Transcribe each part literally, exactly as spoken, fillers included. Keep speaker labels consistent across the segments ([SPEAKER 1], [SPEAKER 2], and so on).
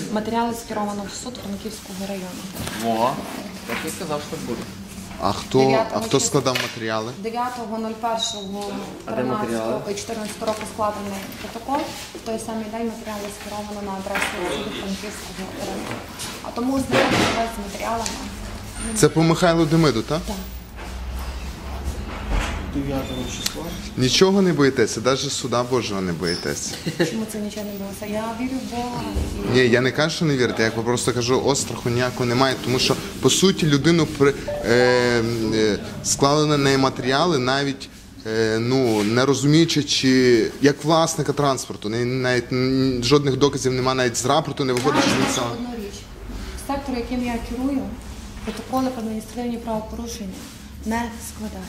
[SPEAKER 1] Матеріали скеровано в суд Франківського району.
[SPEAKER 2] О, так і сказав, що буде.
[SPEAKER 3] А хто, а хто складав матеріали?
[SPEAKER 1] дев'ятого першого чотирнадцятого року складений протокол. В той самий день матеріали скеровано на адресу суду Франківського району. А тому знайомитися з матеріалами.
[SPEAKER 3] Це по Михайлу Демиду, так?
[SPEAKER 1] Так.
[SPEAKER 4] дев'ятого числа.
[SPEAKER 3] Нічого не боїтеся, навіть суда Божого не боїтеся.
[SPEAKER 1] Чому це нічого не булося? Я вірю в Бога. І...
[SPEAKER 3] Ні, я не кажу, що не вірите, я просто кажу, остраху ніякого немає, тому що, по суті, людину при, е, е, склали на неї матеріали, навіть е, ну, не розуміючи, чи як власника транспорту, не, навіть м, жодних доказів немає, навіть з рапорту не виходить, що він сам.
[SPEAKER 1] Одну річ. Сектор, яким я керую, протоколи про адміністративні правопорушення не складає.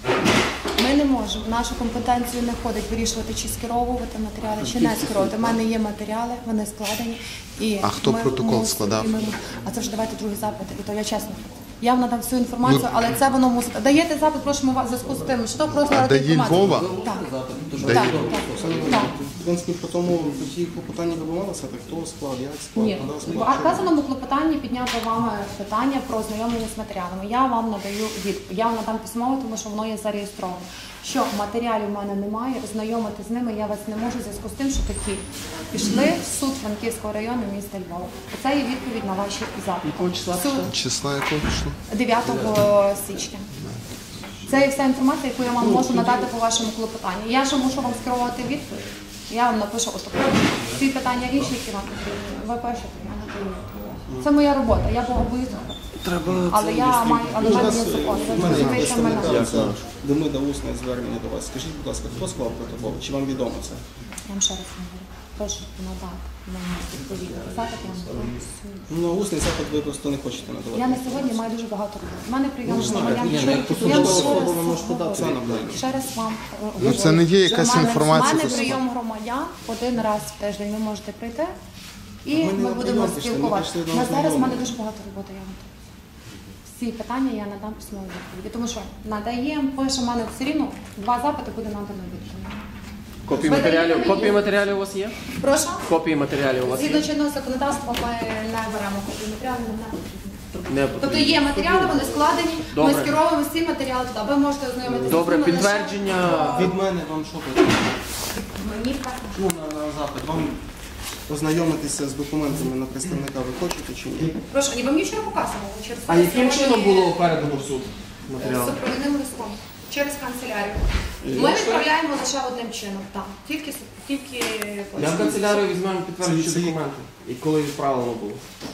[SPEAKER 1] Ми не можемо, в нашу компетенцію не входить вирішувати, чи скеровувати матеріали, чи не скеровувати. У мене є матеріали, вони складені. І
[SPEAKER 3] а хто
[SPEAKER 1] ми
[SPEAKER 3] протокол
[SPEAKER 1] мусимо,
[SPEAKER 3] складав?
[SPEAKER 1] Ми, а це вже давайте другий запит, і то я чесно. Я вам надам всю інформацію, ну, але це воно мусить. Даєте запит, просимо вас в зв'язку з тим, що просто надати інформацію.
[SPEAKER 3] Львова?
[SPEAKER 1] Так.
[SPEAKER 3] Дає.
[SPEAKER 1] Так, так.
[SPEAKER 4] В принципі, по тому ті клопотання вибивалися, так хто склад, як склад.
[SPEAKER 1] Ні, в вказаному клопотанні підняти вами питання про ознайомлення з матеріалами. Я вам надаю відповідь. Я вам надам письмово, тому що воно є зареєстровано. Що матеріалів в мене немає, ознайомити з ними я вас не можу в зв'язку з тим, що такі пішли в суд Франківського району міста Львова. Це є відповідь на ваші запити.
[SPEAKER 2] Якого числа
[SPEAKER 1] Суд
[SPEAKER 3] Числа якого пішло?
[SPEAKER 1] дев'ятого січня. Це є вся інформація, яку я вам можу надати по вашому клопотанню. Я ж мушу вам скерувати відповідь. Я вам напишу отаку. Ці питання інші, які вам потрібні. Ви пишете, я надаю. Це моя робота, я богобоюзна. Але я маю, але в мене є закон.
[SPEAKER 4] У мене є представника, це Демида усне звернення до вас. Скажіть, будь ласка, хто склав протокол? Чи вам відомо це?
[SPEAKER 1] Я вам ще раз говорю. Прошу надати мені відповідь. Запит я вам надаю.
[SPEAKER 4] Ну, усний запит ви просто не хочете надавати.
[SPEAKER 1] Я на сьогодні маю дуже багато роботи. У мене прийом громадян.
[SPEAKER 4] Ні,
[SPEAKER 1] Я
[SPEAKER 4] як посудова особа ви можете подати це на мене.
[SPEAKER 1] ще раз вам
[SPEAKER 3] Ну це не є якась інформація.
[SPEAKER 1] У мене прийом громадян один раз в тиждень. Ви можете прийти і
[SPEAKER 4] Ми не
[SPEAKER 1] ми
[SPEAKER 4] на
[SPEAKER 1] будемо
[SPEAKER 4] прийом пішли, ми
[SPEAKER 1] спілкуватися.
[SPEAKER 4] пішли до
[SPEAKER 1] На зараз в мене
[SPEAKER 4] ознайомлення.
[SPEAKER 1] дуже багато роботи. Я вам кажу. Всі питання я надам письмові відповіді. Тому що надаємо, пише, в мене все рівно два запити буде надано відповідь.
[SPEAKER 2] Копії
[SPEAKER 1] Ви
[SPEAKER 2] матеріалів,
[SPEAKER 1] даєте
[SPEAKER 2] копії
[SPEAKER 1] мені?
[SPEAKER 2] матеріалів у вас є?
[SPEAKER 1] Прошу?
[SPEAKER 2] Копії матеріалів у вас
[SPEAKER 1] Згідно
[SPEAKER 2] є?
[SPEAKER 1] чинного законодавства ми не беремо копії матеріалів, не потрібно.
[SPEAKER 2] Не
[SPEAKER 1] Тобто
[SPEAKER 2] потрібно.
[SPEAKER 1] є матеріали, вони складені,
[SPEAKER 2] Добре.
[SPEAKER 1] ми скеровуємо всі матеріали туди. Ви можете ознайомитися
[SPEAKER 2] Добре,
[SPEAKER 1] з ними лише-
[SPEAKER 2] підтвердження.
[SPEAKER 4] Від мене вам що потрібно?
[SPEAKER 1] Мені так.
[SPEAKER 4] Ну, на, на запит. Вам ознайомитися з документами на представника ви хочете чи ні?
[SPEAKER 1] Прошу, ні, ви мені вчора показували. Через
[SPEAKER 2] А яким
[SPEAKER 1] сьогодні,
[SPEAKER 2] чином було передано в суд
[SPEAKER 1] е,
[SPEAKER 2] матеріал?
[SPEAKER 1] З супровідним листом. Через канцелярію. Ми відправляємо лише одним чином. Так, тільки, тільки...
[SPEAKER 2] Я в канцелярію візьмемо підтверджуючі
[SPEAKER 4] Це- це-
[SPEAKER 2] документи. І коли відправлено було?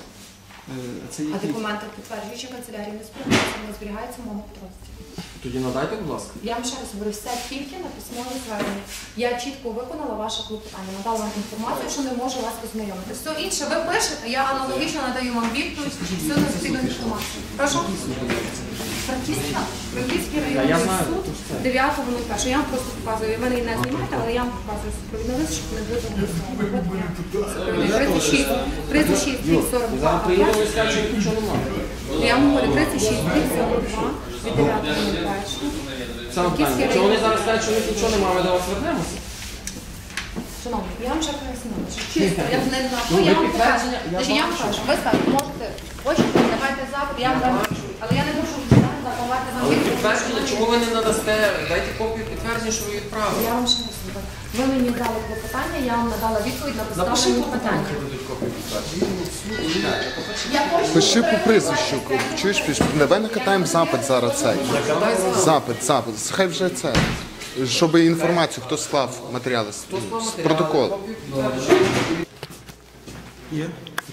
[SPEAKER 4] Е, Це
[SPEAKER 1] А
[SPEAKER 4] які?
[SPEAKER 1] документи підтверджуючи канцелярії не зберігаються, вони зберігаються в моєму підрозділі.
[SPEAKER 2] Тоді надайте, будь ласка.
[SPEAKER 1] Я вам ще раз говорю, все тільки на письмове звернення. Я чітко виконала ваше клопотання, надала вам інформацію, що не можу вас ознайомити. Все інше ви пишете, я аналогічно надаю вам відповідь, всю необхідну інформацію. Прошу. Франківська, Франківський
[SPEAKER 2] Та я
[SPEAKER 1] районний
[SPEAKER 2] знаю,
[SPEAKER 1] суд,
[SPEAKER 2] то ж це.
[SPEAKER 1] дев'ятого нуль першого. Я вам просто показую, ви мене не знімаєте, але я вам показую супровідний лист, щоб не було голосного. тридцять шість, тридцять шість, сорок
[SPEAKER 2] І
[SPEAKER 1] два.
[SPEAKER 2] зараз приїдемо і скажемо, що нічого немає.
[SPEAKER 1] Я вам говорю, тридцять шість, сорок два від дев'ятого нуль першого.
[SPEAKER 2] Саме питання, якщо вони зараз скажуть, що у них нічого немає, ми до вас вернемося?
[SPEAKER 1] Шановні, я вам ще пояснила, що чисто, я не знаю,
[SPEAKER 2] Ну,
[SPEAKER 1] я
[SPEAKER 2] ви
[SPEAKER 1] вам покажу.
[SPEAKER 2] підтвердження, я
[SPEAKER 1] Значить, я вам
[SPEAKER 2] бачу.
[SPEAKER 1] кажу, ви скажете, можете, хочете, давайте запит, я вам дам відповідь. Але я не можу давати вам
[SPEAKER 2] Але
[SPEAKER 1] відповідь.
[SPEAKER 2] підтвердження, чому ви не надасте? Дайте копію підтвердження, що ви відправили.
[SPEAKER 1] Я вам ще раз говорю. Ви мені дали клопотання, я вам надала відповідь на
[SPEAKER 2] Напиши
[SPEAKER 1] поставлені
[SPEAKER 2] клопотання,
[SPEAKER 1] питання.
[SPEAKER 2] хай дадуть копію підтвердження.
[SPEAKER 1] Я хочу
[SPEAKER 3] Пиши по
[SPEAKER 1] отримати
[SPEAKER 3] прізвищу,
[SPEAKER 1] запит.
[SPEAKER 3] чуєш, піш, давай накатаємо запит зараз цей. Запит, запит, хай вже це. Щоб інформацію, хто склав матеріали, протокол.
[SPEAKER 2] Копію підтвердження.
[SPEAKER 4] Є.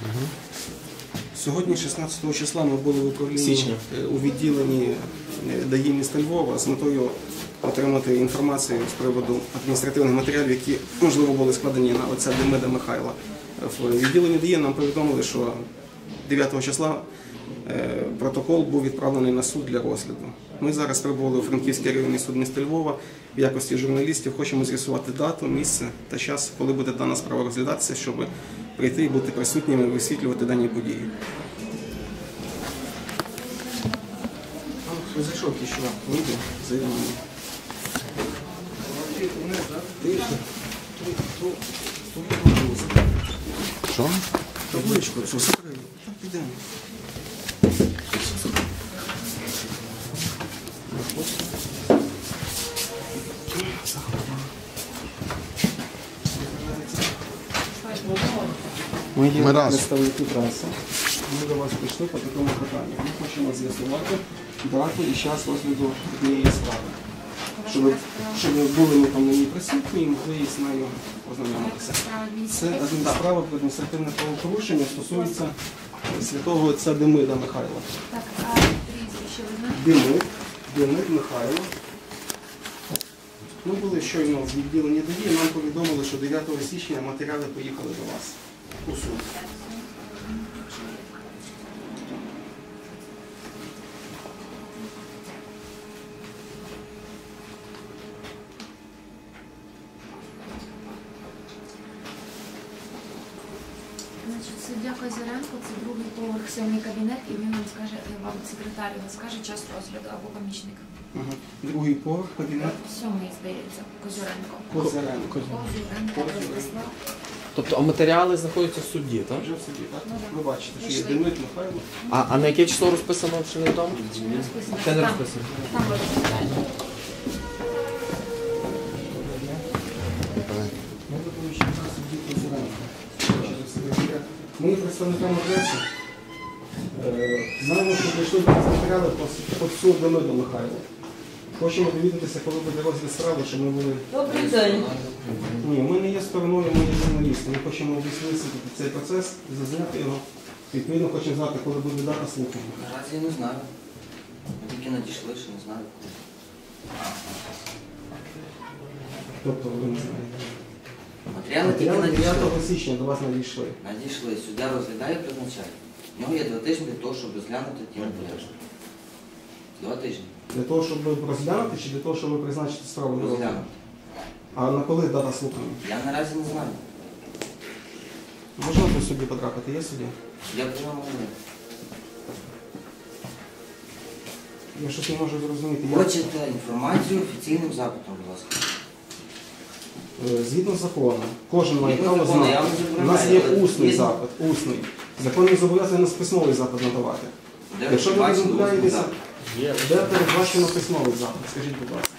[SPEAKER 4] Сьогодні, шістнадцятого числа, ми були в управлінні
[SPEAKER 2] Січня.
[SPEAKER 4] е, у відділенні е, ДАІ міста Львова з метою отримати інформацію з приводу адміністративних матеріалів, які, можливо, були складені на отця Демида Михайла. В відділенні ДАІ нам повідомили, що дев'ятого числа е, протокол був відправлений на суд для розгляду. Ми зараз прибули у Франківський районний суд міста Львова в якості журналістів. Хочемо з'ясувати дату, місце та час, коли буде дана справа розглядатися, щоб прийти і бути присутніми і висвітлювати дані події. А, зайшов кіщова. Вийде, зайде мені. Тихо.
[SPEAKER 3] Що?
[SPEAKER 4] табличку цю закрию. Так, підемо. Ми є
[SPEAKER 3] Ми раз.
[SPEAKER 4] представники преси. Ми до вас прийшли по такому питанню. Ми хочемо з'ясувати дату і час розгляду однієї справи. Щоб, ви- щоб ви були ми там на ній присутні і могли з нею ознайомитися. Це адмін- справа про адміністративне правопорушення стосується святого отця Демида Михайла.
[SPEAKER 1] Так, а прізвище ви знаєте?
[SPEAKER 4] Демид, Демид Михайло. Ми були щойно в відділенні ДАІ, нам повідомили, що дев'ятого січня матеріали поїхали до вас у суд.
[SPEAKER 5] Значить, суддя Козиренко, це другий поверх, сьомий кабінет, і він вам скаже, вам секретар його скаже час розгляду або помічник.
[SPEAKER 4] Ага. Другий поверх, кабінет
[SPEAKER 5] Сьомий, здається, Козиренко.
[SPEAKER 4] Козиренко.
[SPEAKER 5] Козиренко, Владислав.
[SPEAKER 2] Тобто, а матеріали знаходяться в суді, так?
[SPEAKER 4] Вже в суді, так? Ви бачите, що є
[SPEAKER 5] Пішли.
[SPEAKER 4] Демид Михайло.
[SPEAKER 2] А, а на яке число розписано, чи не відомо?
[SPEAKER 5] Не розписано.
[SPEAKER 2] Це не
[SPEAKER 5] Там,
[SPEAKER 2] розписано.
[SPEAKER 5] Там ви розглядаєте.
[SPEAKER 4] Ми допоміщаємо судді Козиренко. Ми є представниками преси. Е, Знаємо, що прийшли до нас матеріали по по суду Демиду Михайлу. Хочемо довідатися, коли буде розгляд справи, щоб ми були...
[SPEAKER 6] Добрий день.
[SPEAKER 4] Ні, ми не є стороною, ми є журналісти. Ми хочемо висвітлити цей процес, зазняти його. Відповідно, хочемо знати, коли буде дата слухання.
[SPEAKER 6] Наразі я не знаю. Ми тільки надійшли, що не знаю.
[SPEAKER 4] Тобто, ви не знаєте.
[SPEAKER 6] Матеріали тільки
[SPEAKER 4] Матеріали
[SPEAKER 6] надійшли.
[SPEAKER 4] дев'ятого січня до вас надійшли.
[SPEAKER 6] Надійшли. Суддя розглядає і призначає. В нього є два тижні для того, щоб розглянути ті матеріали. Два тижні.
[SPEAKER 4] Для того, щоб розглянути, чи для того, щоб призначити справу на розгляд?
[SPEAKER 6] Розглянути.
[SPEAKER 4] А на коли дата слухання?
[SPEAKER 6] Я наразі не знаю.
[SPEAKER 4] Можна до судді потрапити? Є судді?
[SPEAKER 6] Я про нього не знаю.
[SPEAKER 4] Я щось не можу зрозуміти. Я-
[SPEAKER 6] Хочете інформацію офіційним запитом, будь ласка.
[SPEAKER 4] Е, Згідно з законом, кожен має
[SPEAKER 6] Згідно
[SPEAKER 4] право
[SPEAKER 6] закону, я
[SPEAKER 4] знати.
[SPEAKER 6] вам
[SPEAKER 4] У
[SPEAKER 6] забороняю,
[SPEAKER 4] нас є
[SPEAKER 6] але
[SPEAKER 4] усний
[SPEAKER 6] згідно-
[SPEAKER 4] запит, усний. Закон не зобов'язує нас письмовий запит надавати.
[SPEAKER 6] Де ви
[SPEAKER 4] Якщо ви
[SPEAKER 6] бачили
[SPEAKER 4] відмовляєтеся,
[SPEAKER 6] запит?
[SPEAKER 4] де передбачено письмовий запит? Скажіть, будь ласка.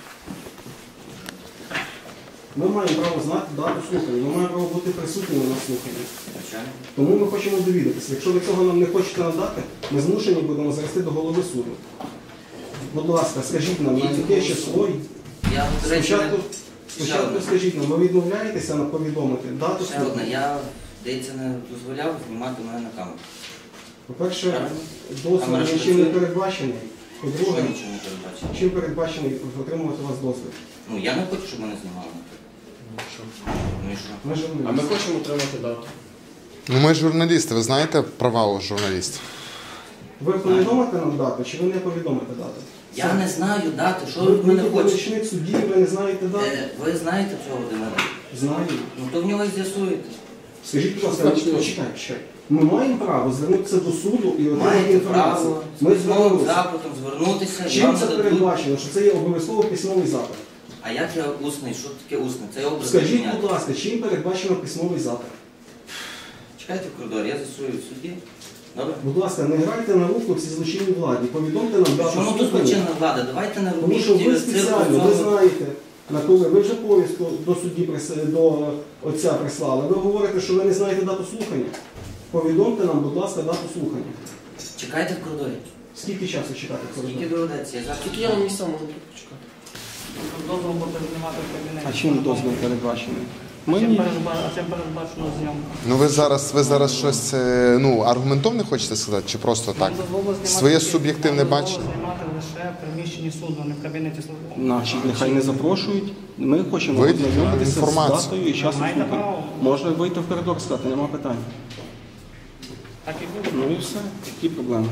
[SPEAKER 4] Ми маємо право знати дату слухання, ми маємо право бути присутніми на слуханні.
[SPEAKER 6] Звичайно.
[SPEAKER 4] Тому ми хочемо довідатися. Якщо ви цього нам не хочете надати, ми змушені будемо завести до голови суду. Будь ласка, скажіть нам, на яке число.
[SPEAKER 6] Я, до речі,
[SPEAKER 4] Спочатку,
[SPEAKER 6] не- ще
[SPEAKER 4] спочатку
[SPEAKER 6] одне.
[SPEAKER 4] скажіть нам, ви відмовляєтеся на повідомити дату
[SPEAKER 6] Ще одне.
[SPEAKER 4] слухання?
[SPEAKER 6] Я, здається, не дозволяв знімати мене на камеру.
[SPEAKER 4] По-перше,
[SPEAKER 6] Правильно.
[SPEAKER 4] дозвіл
[SPEAKER 6] Камера ж
[SPEAKER 4] нічим не
[SPEAKER 6] працює.
[SPEAKER 4] передбачений.
[SPEAKER 6] Що
[SPEAKER 4] По-друге,
[SPEAKER 6] нічого не передбачено?
[SPEAKER 4] чим передбачений отримувати у вас дозвіл?
[SPEAKER 6] Ну, я не хочу, щоб мене знімали. Ну і що?
[SPEAKER 4] Ми журналісти.
[SPEAKER 2] А ми хочемо отримати дату.
[SPEAKER 3] Ну ми журналісти, ви знаєте права у журналістів?
[SPEAKER 4] Ви повідомите нам дату, чи ви не повідомите дату?
[SPEAKER 6] Я не знаю дати, що
[SPEAKER 4] Ви
[SPEAKER 6] ви від мене
[SPEAKER 4] ви
[SPEAKER 6] хочете.
[SPEAKER 4] помічник судді, ви не знаєте дату?
[SPEAKER 6] Е, Ви знаєте цього Володимира?
[SPEAKER 4] Знаю.
[SPEAKER 6] Ну то в нього і з'ясуєте.
[SPEAKER 4] Скажіть, будь ласка,
[SPEAKER 2] Значно.
[SPEAKER 4] почекай, почекай. Ми маємо право звернутися до суду і отримати
[SPEAKER 6] Маєте
[SPEAKER 4] інформацію.
[SPEAKER 6] право з
[SPEAKER 4] Ми
[SPEAKER 6] письмовим
[SPEAKER 4] звернулися.
[SPEAKER 6] запитом звернутися, і
[SPEAKER 4] Чим
[SPEAKER 6] вам
[SPEAKER 4] це
[SPEAKER 6] нададуть.
[SPEAKER 4] передбачено, що це є обов'язково письмовий запит?
[SPEAKER 6] А як я усний? Що таке усний? Це образ
[SPEAKER 4] Скажіть,
[SPEAKER 6] міняти.
[SPEAKER 4] будь ласка, чим передбачено письмовий запит?
[SPEAKER 6] Чекайте в коридорі, я з'ясую в суді. Добре?
[SPEAKER 4] Будь ласка, не грайте на руку цій злочинній владі. Повідомте нам дату
[SPEAKER 6] Чому тут
[SPEAKER 4] слухання.
[SPEAKER 6] злочинна влада? Давайте не
[SPEAKER 4] Тому
[SPEAKER 6] робіть
[SPEAKER 4] що ви
[SPEAKER 6] цирк
[SPEAKER 4] спеціально, ви
[SPEAKER 6] в цьому.
[SPEAKER 4] знаєте, на коли ви вже повістку до судді прис- до отця прислали. Ви говорите, що ви не знаєте дату слухання. Повідомте нам, будь ласка, дату слухання.
[SPEAKER 6] Чекайте в коридорі.
[SPEAKER 4] Скільки часу чекати?
[SPEAKER 6] Скільки доведеться? Я зараз
[SPEAKER 2] Тільки я вам місця можу тут почекати.
[SPEAKER 7] Дозвол буде знімати в кабінеті.
[SPEAKER 4] А чим дозвіл передбачений?
[SPEAKER 7] А чим передба- а чим передбачено зйомку?
[SPEAKER 3] Ну ви зараз, ви зараз щось е, ну, аргументовне хочете сказати, чи просто так?
[SPEAKER 7] Нам дозволено знімати
[SPEAKER 3] Своє
[SPEAKER 7] тільки-
[SPEAKER 3] суб'єктивне
[SPEAKER 7] нам дозволено
[SPEAKER 3] бачення?
[SPEAKER 7] знімати лише в приміщенні суду, не в кабінеті службовому.
[SPEAKER 4] Наші нехай не запрошують. Ми хочемо
[SPEAKER 3] Вийдіть,
[SPEAKER 4] ознайомитися з
[SPEAKER 3] інформацію.
[SPEAKER 4] датою і часом
[SPEAKER 7] Маєте
[SPEAKER 4] слухання.
[SPEAKER 7] право.
[SPEAKER 4] Можна вийти в коридор сказати, нема питань.
[SPEAKER 7] Так і буде.
[SPEAKER 4] Ну і все, які проблеми.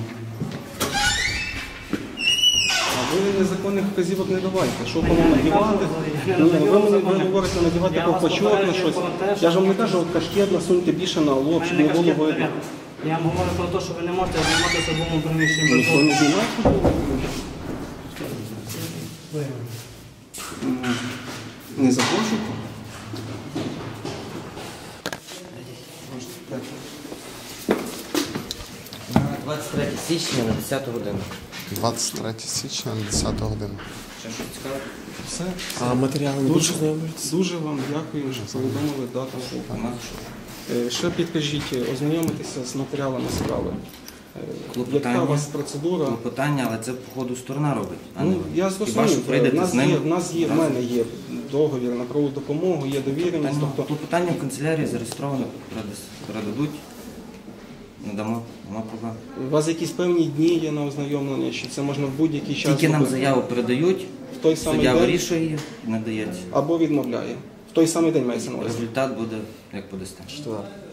[SPEAKER 4] А ви незаконних вказівок не давайте. Що кому надівати?
[SPEAKER 7] Я
[SPEAKER 4] Ні,
[SPEAKER 7] не
[SPEAKER 4] ви,
[SPEAKER 7] надаю
[SPEAKER 4] мені- ви
[SPEAKER 7] законних.
[SPEAKER 4] говорите надівати
[SPEAKER 7] Я вас
[SPEAKER 4] ковпачок на
[SPEAKER 7] попереджую
[SPEAKER 4] щось.
[SPEAKER 7] про те, що-
[SPEAKER 4] Я ж вам не кажу, от кашкет насуньте більше на лоб, щоб
[SPEAKER 7] Мене
[SPEAKER 4] не було
[SPEAKER 7] кашкет
[SPEAKER 4] видно.
[SPEAKER 7] не- Я вам говорю про те, що ви не можете знімати в службовому приміщенні. без
[SPEAKER 4] Ніхто не
[SPEAKER 7] дозволу.
[SPEAKER 4] знімає футбол? Не запрошуйте?
[SPEAKER 6] двадцять третє січня на десяту годину.
[SPEAKER 3] двадцять третє січня на десяту годину.
[SPEAKER 6] Ще щось цікаве?
[SPEAKER 4] Все.
[SPEAKER 8] А матеріали не
[SPEAKER 4] Дуже,
[SPEAKER 8] будуть знайомитися?
[SPEAKER 4] дуже вам дякую, що повідомили дату.
[SPEAKER 6] Нема що.
[SPEAKER 4] Е, Ще підкажіть, ознайомитися з матеріалами справи. Е,
[SPEAKER 6] Клопотання.
[SPEAKER 4] Яка у вас процедура?
[SPEAKER 6] Клопотання, але це по ходу сторона робить. А не
[SPEAKER 4] Ну,
[SPEAKER 6] ви.
[SPEAKER 4] я
[SPEAKER 6] Хіба що
[SPEAKER 4] зрозумів, в
[SPEAKER 6] прийдете
[SPEAKER 4] нас
[SPEAKER 6] з ними.
[SPEAKER 4] є, в нас є, в
[SPEAKER 6] разом.
[SPEAKER 4] мене є договір на правову допомогу, є довіреність,
[SPEAKER 6] Клопотання,
[SPEAKER 4] тобто
[SPEAKER 6] клопотання в канцелярії зареєстровано, передас- передадуть, надамо, нема проблем.
[SPEAKER 4] у вас якісь певні дні є на ознайомлення, чи це можна в будь-який час
[SPEAKER 6] Тільки нам
[SPEAKER 4] зробити?
[SPEAKER 6] заяву передають,
[SPEAKER 4] в той самий
[SPEAKER 6] суддя
[SPEAKER 4] день
[SPEAKER 6] вирішує її і надається.
[SPEAKER 4] або відмовляє. В той самий день мається на увазі.
[SPEAKER 6] Результат буде, як подасте.
[SPEAKER 8] Четвер.